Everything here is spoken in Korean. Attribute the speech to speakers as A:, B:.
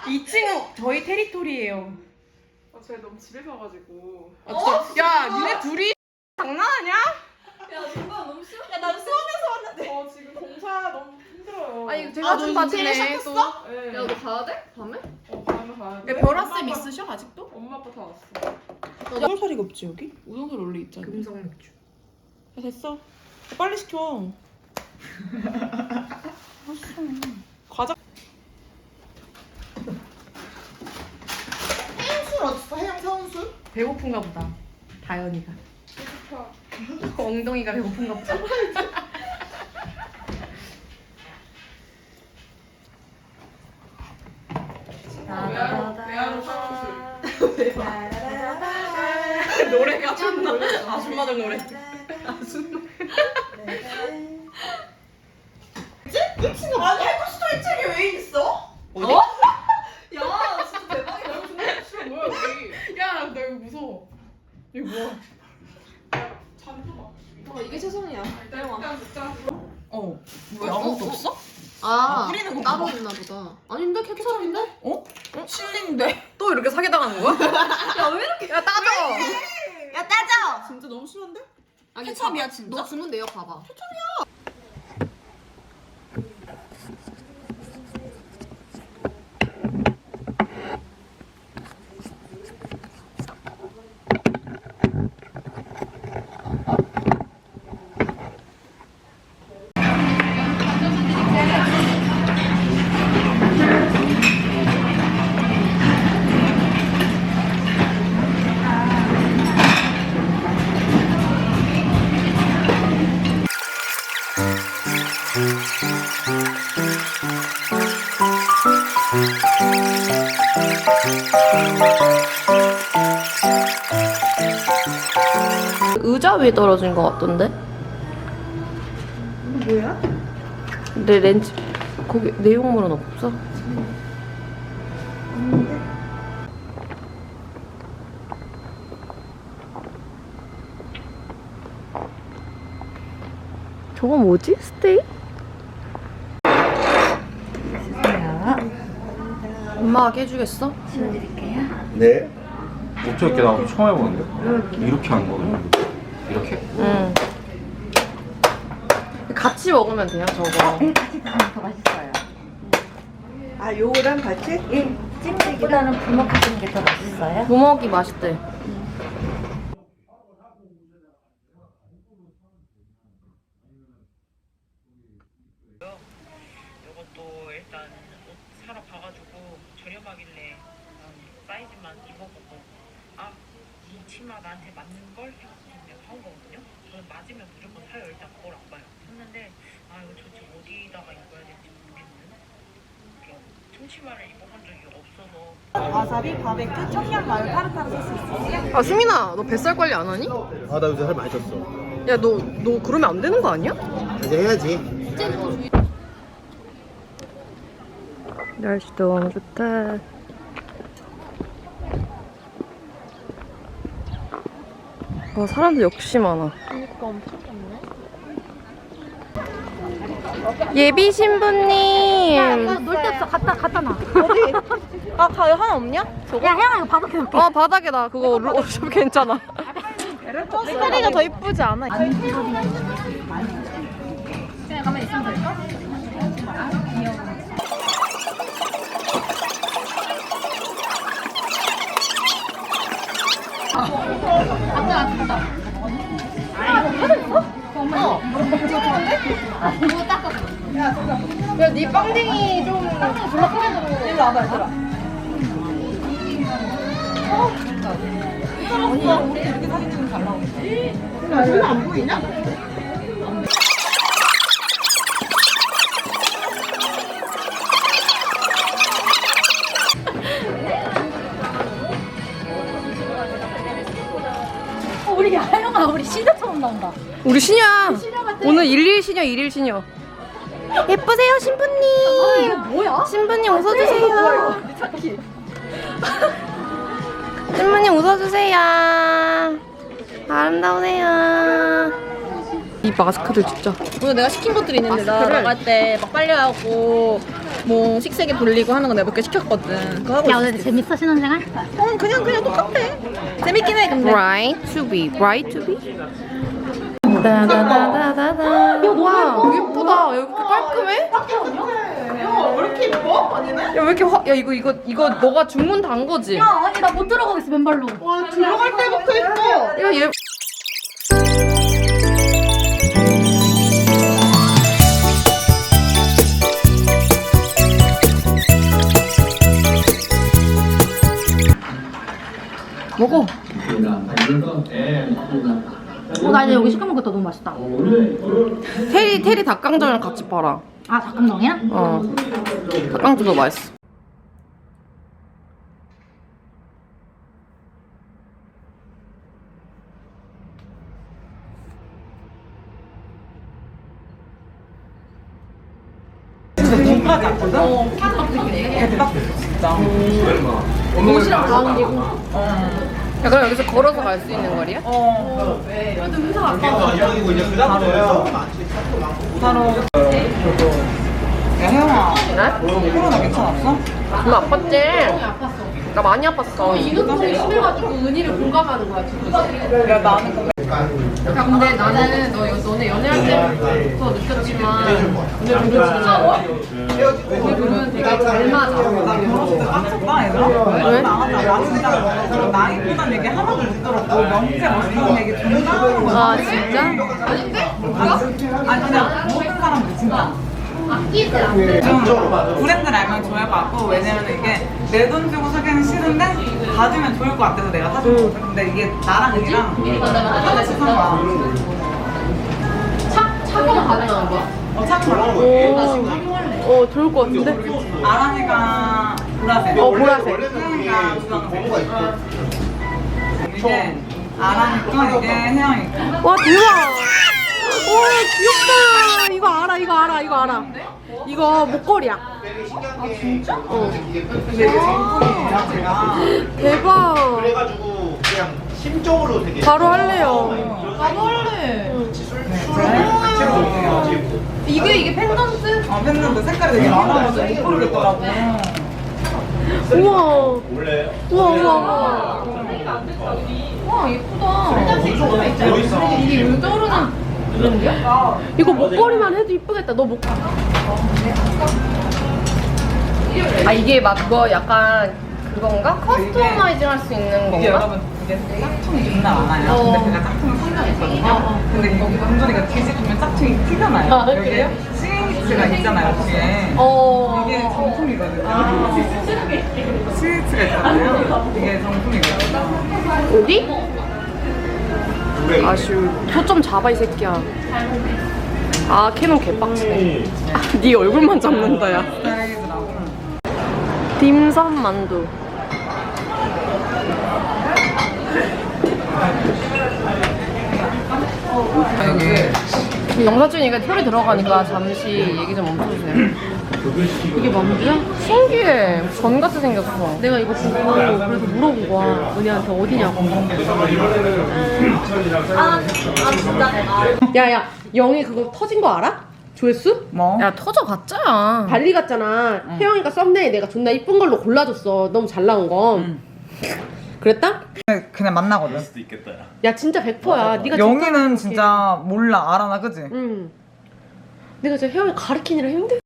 A: 2층은 저희 테리토리예요.
B: 제가 너무 집에 가가지고.
A: 야, 니네 둘이 장난하냐?
C: 야 정말 너무 싫어. 야 난 수원에서 왔는데.
B: 지금 공사 너무 힘들어요.
A: 아니 제가 좀 봐주네 또.
B: 네.
C: 야 너 가야 돼? 밤에?
B: 밤에 가야 돼.
A: 벼라쌤 있으셔 아직도?
B: 엄마 아빠 다 왔어.
A: 우동사리가 없지 여기? 우동사리 원래 있잖아.
C: 금성 맥주.
A: 야, 됐어. 빨리 시켜. 과자.
D: 해양술 어딨어? 해양 사원술?
A: 배고픈가 보다. 다현이가. 엉덩이가 배고픈가 보다.
B: 외화로 사원술.
A: 노래가 존나 아줌마들 노래.
D: 이 친구 아니 해커스토리 책에 왜 있어?
A: 어디?
C: 야 진짜 대박이다.
B: 싫어 뭐야 여기.
A: 야, 나 이거 무서워. 이거 뭐야?
B: 잔도 막.
C: 이게 최선이야.
B: 일단 진짜.
A: 왜 아무것도 없어?
C: 아
A: 뿌리는 거
C: 따로
A: 봐.
C: 있나 보다. 아닌데 케첩인데?
A: 실린데? 또 이렇게 사기당하는 거야?
C: 야 왜 이렇게?
A: 야, 따져!
D: 야 따져!
A: 진짜 너무 심한데?
C: 아니,
A: 케첩이야,
C: 봐봐.
A: 진짜?
C: 너 주문 내역 봐봐.
E: 의자 위에 떨어진 것 같던데?
D: 뭐야?
E: 내 렌즈 거기 내용물은 없어? 저거 뭐지? 스테이? 엄마가 깨주겠어?
F: 네? 어떻게 나도 처음 해보는데? 이렇게 하는 거거든요. 이렇게?
E: 응. 같이 먹으면 돼요, 저거.
G: 같이 드시면 더 맛있어요.
D: 아 요거랑 같이?
G: 예, 찜질보다는 부먹하시는 게 더 맛있어요.
E: 부먹이 맛있대.
H: 이것도 일단 옷 사러 가가지고 저렴하길래 사이즈만 입어보고 이 치마 나한테 맞는 걸 생각하면 사온 거거든요. 저는 맞으면 무조건 사요. 일단 그걸 안 봐요. 샀는데 이거 도대체 어디다가 입어야 될지 모르겠는 그런 청치마를 입어본 적이 없어서
D: 와사비, 바베큐, 청양마요, 타르타르 소스 있으세요?
E: 아, 수민아, 너 뱃살 관리 안 하니?
F: 아, 나 요새 살 많이 쪘어.
E: 야, 너 그러면 안 되는 거 아니야?
F: 이제 해야지.
E: 날씨 너무 좋다. 와, 사람들 역시 많아. 그러니까 엄청 많네. 예비 신부님.
G: 놀 데 없어. 갖다 놔.
E: 아, 가위 하나 없냐?
G: 야, 혜영아 이거 바닥에 놓게.
E: 바닥에다. 그거 어차피 괜찮아. 스타리가 더 이쁘지 않아?
G: 그냥 가만히 있으면 될까?
E: 야, 네 빵댕이 좀 졸라 크게 들어.
D: 일로 와봐 얘들아. 아니 우리 이렇게 사진 찍으면 잘 나오겠다. 야 저는 안 보이냐?
G: 우리 혜영아 우리 시대처럼 나온다.
E: 우리 시녀야. 오늘 1일 시녀, 1일 시녀. 예쁘세요, 신부님.
G: 이거 뭐야?
E: 신부님 웃어주세요. 신부님 웃어주세요. 아름다우세요. 이 마스크들 진짜. 오늘 내가 시킨 것들이 있는데 나 나갈 때 막 빨래하고
A: 뭐 식세기 돌리고 하는 거 내가 몇 개 시켰거든. 그거 하고
G: 야,
A: 있어.
G: 오늘 재밌어, 신혼생활?
A: 그냥 똑같아. 재밌긴 해 근데.
E: Right to be, right to be. 다다다다다다. 와, 예쁘다. 여기 이렇게 깔끔해?
A: 왜 이렇게 예뻐? 아니네?
E: 야, 왜 이렇게 야, 이거 너가 주문 단 거지?
G: 야, 아니, 나 못 들어가겠어, 맨발로.
A: 와 들어갈 때부터 예뻐.
E: 야, 얘. 먹어.
G: 나 이제 여기 시켜먹겠다. 너무 맛있다.
E: 테리 닭강정이랑 같이 팔아.
G: 아, 닭강정이야?
E: 어. 닭강정도 맛있어.
A: 옷이랑 가운데고.
E: 야, 그럼 여기서 걸어서 갈 수 있는 거리야?
D: 야 혜영아
E: 네?
D: 코로나 괜찮았어?
E: 엄마 아팠지? 나 많이 아팠어.
A: 이것도 심해가지고 은희를 공감하는 거야 지금.
D: 야 나는 근데
A: 야, 근데 나는 너네 연애할 때부터 느꼈지만 오늘 우리 둘은 되게 잘 맞아.
D: 나 결혼식 때 빡쳤다 얘들아
E: 왜?
D: 나 진짜 나이보단 얘기 하나도 못 들었고 명태 멋있는 얘기 존나 하는 거야
E: 아, 진짜?
A: 아닌데?
D: 아니 그냥 모든 사람들 진짜 좀 브랜드를 알면 좋아할 것 같고 왜냐면 이게 내 돈 주고 사기는 싫은데 받으면 좋을 것 같아서 내가 사준 거거든 근데 이게 나랑 은이랑 하나 싶은 거야
A: 차가워 가능한 거야?
D: 참고로
E: 좋을 것 같은데?
D: 아랑이가 보라색
E: 보라색.
D: 혜영이가 주황색 이게 아랑이 거 이게 혜영이 거
E: 와, 대박! 와, 귀엽다! 이거 알아. 이거 목걸이야.
A: 아 진짜?
E: 어.
D: 근데 이게 정품이에요 제가
E: 대박!
F: 그래가지고 그냥 심적으로 되게
E: 바로 할래요.
A: 나도 할래.
D: 이게 펜던트? 펜던트 색깔이 되게 많아가지고 못 고르겠더라고
E: 우와.
F: 원래
E: 우와.
A: 와 예쁘다. 이게 왜 저러는 브랜드야?
E: 이거 목걸이만 해도 이쁘겠다. 너 목. 아, 이게 막 그거 약간 그건가? 커스터마이징 할 수 있는
D: 이게
E: 건가?
D: 여러분 이게 짝퉁이 존나 많아요 근데 제가 짝퉁을 산적 있거든요 근데 여기 은준이가 뒤집으면 짝퉁이 티가 나요
E: 아,
D: 여기
E: 그래요?
D: 스위치가 있잖아요 뒤에 이게 정품이거든요 스위치가 있잖아요 이게 정품이거든요
E: 어디? 아쉬워. 초점 잡아, 이 새끼야. 아, 캐논 개빡치네. 아, 네 얼굴만 잡는다, 야.
D: 스타일이더라고
E: 딤섬 만두. 지금 영상 찍으니까 털이 들어가니까 잠시 얘기 좀 멈춰주세요. 이게 만두야? 신기해. 전 같이 생겼어. 내가 이거 보고 그래서 물어본 거야. 은희한테 어디냐고. 야야, 영희 그거 터진 거 알아? 조회수?
D: 뭐?
E: 야, 터져봤자.
A: 발리 갔잖아. 혜영이가 썸네일 내가 존나 이쁜 걸로 골라줬어. 너무 잘 나온 거. 그랬다?
D: 그냥 만나거든
F: 수도 있겠다.
A: 야 진짜 100%야. 네가
D: 영희는 진짜 몰라 알아나 그지?
A: 응. 내가 진짜 혜영이 가르치느라 힘들.